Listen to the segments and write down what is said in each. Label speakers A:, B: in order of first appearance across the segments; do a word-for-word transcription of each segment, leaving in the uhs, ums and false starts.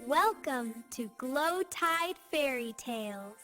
A: Welcome to Glow Tide Fairy Tales.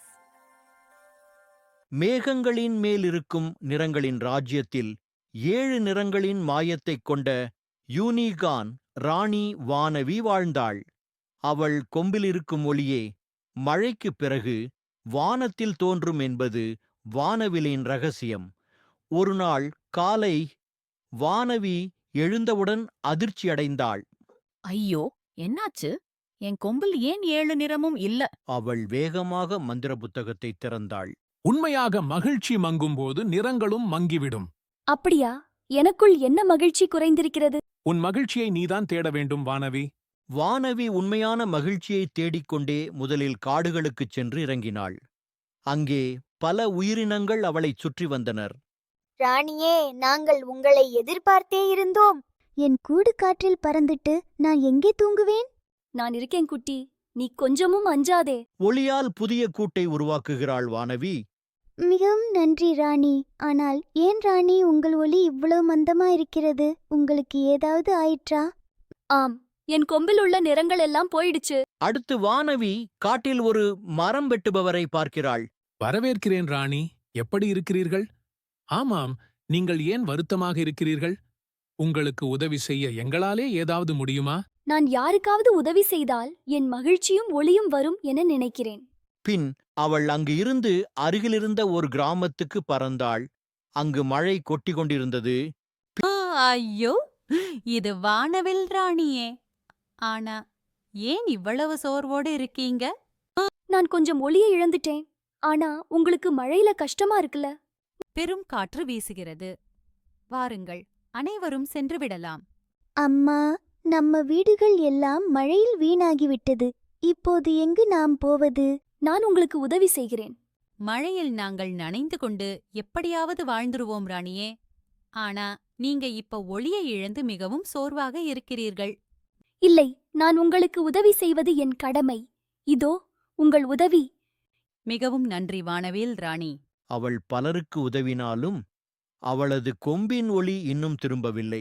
B: மேகங்களின் மேலிருக்கும் நிறங்களின் ராஜ்யத்தில் ஏழு நிறங்களின் மாயத்தைக் கொண்ட யூனிகான் ராணி வானவி வாழ்ந்தாள். அவள் கொம்பிலிருக்கும் ஒளியே மழைக்குப் பிறகு வானத்தில் தோன்றும் என்பது வானவிலின் ரகசியம். ஒருநாள் காலை வானவி எழுந்தவுடன் அதிர்ச்சியடைந்தாள்.
C: ஐயோ, என்னாச்சு? என் கொம்பில் ஏன் ஏழு நிறமும் இல்ல?
B: அவள் வேகமாக மந்திர புத்தகத்தை திறந்தாள்.
D: உண்மையாக மகிழ்ச்சி மங்கும்போது நிறங்களும் மங்கிவிடும்.
E: அப்படியா? எனக்குள் என்ன மகிழ்ச்சி குறைந்திருக்கிறது?
D: உன் மகிழ்ச்சியை நீதான் தேட வேண்டும் வானவி.
B: வானவி உண்மையான மகிழ்ச்சியை தேடிக்கொண்டே முதலில் காடுகளுக்குச் சென்று இறங்கினாள். அங்கே பல உயிரினங்கள் அவளைச் சுற்றி வந்தனர்.
F: ராணியே, நாங்கள் உங்களை எதிர்பார்த்தே இருந்தோம்.
E: என் கூடு காற்றில் பறந்துட்டு நான் எங்கே தூங்குவேன்? நான் இருக்கேன் குட்டி, நீ கொஞ்சமும் அஞ்சாதே.
B: ஒளியால் புதிய கூட்டை உருவாக்குகிறாள் வானவி.
E: மிகவும் நன்றி ராணி. ஆனால் ஏன் ராணி உங்கள் ஒளி இவ்வளவு மந்தமா இருக்கிறது? உங்களுக்கு ஏதாவது ஆயிற்றா? ஆம், என் கொம்பில் உள்ள நிறங்கள் எல்லாம் போயிடுச்சு.
B: அடுத்து வானவி காட்டில் ஒரு மரம் வெட்டுபவரை பார்க்கிறாள்.
D: வரவேற்கிறேன் ராணி. எப்படி இருக்கிறீர்கள்? ஆமாம், நீங்கள் ஏன் வருத்தமாக இருக்கிறீர்கள்? உங்களுக்கு உதவி செய்ய எங்களாலே ஏதாவது முடியுமா?
E: நான் யாருக்காவது உதவி செய்தால் என் மகிழ்ச்சியும் ஒளியும் வரும் என நினைக்கிறேன்.
B: பின் அவள் அங்கு இருந்து அருகிலிருந்த ஒரு கிராமத்துக்கு பறந்தாள். அங்கு மழை கொட்டி கொண்டிருந்தது.
C: ஐயோ, இது வானவில் ராணியே. ஆனா ஏன் இவ்வளவு சோர்வோடு இருக்கீங்க?
E: நான் கொஞ்சம் ஒளியை இழந்துட்டேன். ஆனா உங்களுக்கு மழையில கஷ்டமா இருக்குல்ல?
C: பெரும் காற்று வீசுகிறது. வாருங்கள், அனைவரும் சென்று விடலாம்.
E: அம்மா, நம்ம வீடுகள் எல்லாம் மழையில் வீணாகிவிட்டது. இப்போது எங்கு நாம் போவது? நான் உங்களுக்கு உதவி செய்கிறேன்.
C: மழையில் நாங்கள் நனைந்து கொண்டு எப்படியாவது வாழ்ந்துருவோம் ராணியே. ஆனா நீங்க இப்ப ஒளியை இழந்து மிகவும் சோர்வாக இருக்கிறீர்கள்.
E: இல்லை, நான் உங்களுக்கு உதவி செய்வது என் கடமை. இதோ உங்கள் உதவி.
C: மிகவும் நன்றி வானவேல் ராணி.
B: அவள் பலருக்கு உதவினாலும் அவளது கொம்பின் ஒளி இன்னும் திரும்பவில்லை.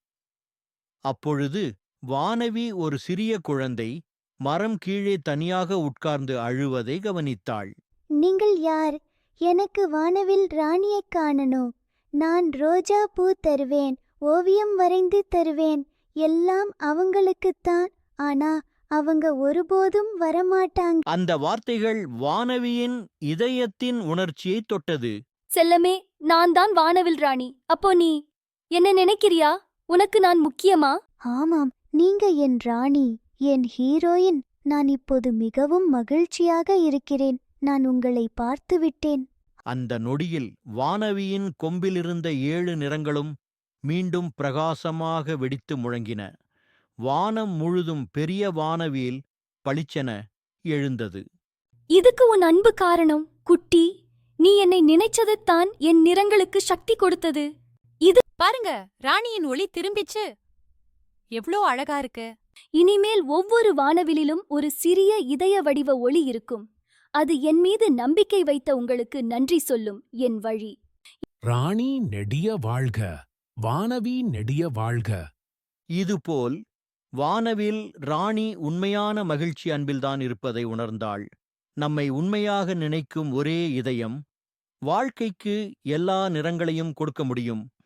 B: அப்பொழுது வானவி ஒரு சிறிய குழந்தை மரம் கீழே தனியாக உட்கார்ந்து அழுவதை கவனித்தாள்.
E: நீங்கள் யார்? எனக்கு வானவில் ராணியைக் காணணும். நான் ரோஜா பூ தருவேன், ஓவியம் வரைந்து தருவேன். எல்லாம் அவங்களுக்குத்தான். ஆனா அவங்க ஒருபோதும் வரமாட்டாங்க.
B: அந்த வார்த்தைகள் வானவியின் இதயத்தின் உணர்ச்சியை தொட்டது.
E: செல்லமே, நான் தான் வானவில் ராணி. அப்போ நீ என்ன நினைக்கிறியா? உனக்கு நான் முக்கியமா? ஆமாம், நீங்க என் ராணி, என் ஹீரோயின். நான் இப்போது மிகவும் மகிழ்ச்சியாக இருக்கிறேன். நான் உங்களை பார்த்துவிட்டேன்.
B: அந்த நொடியில் வானவியின் கொம்பிலிருந்த ஏழு நிறங்களும் மீண்டும் பிரகாசமாக வெடித்து முழங்கின. வானம் முழுதும் பெரிய வானவில் பளிச்சென எழுந்தது.
E: இதுக்கு உன் அன்பு காரணம் குட்டி. நீ என்னை நினைச்சதைத்தான் என் நிறங்களுக்கு சக்தி கொடுத்தது. இது
C: பாருங்க, ராணியின் ஒளி திரும்பிச்சு. எவ்ளோ அழகா இருக்கு.
E: இனிமேல் ஒவ்வொரு வானவிலிலும் ஒரு சிறிய இதய வடிவ ஒளி இருக்கும். அது என் மீது நம்பிக்கை வைத்த உங்களுக்கு நன்றி சொல்லும் என் வழி.
D: ராணி நெடிய வாழ்க, வானவி நெடிய வாழ்க.
B: இதுபோல் வானவில் ராணி உண்மையான மகிழ்ச்சி அன்பில்தான் இருப்பதை உணர்ந்தாள். நம்மை உண்மையாக நினைக்கும் ஒரே இதயம் வாழ்க்கைக்கு எல்லா நிறங்களையும் கொடுக்க முடியும்.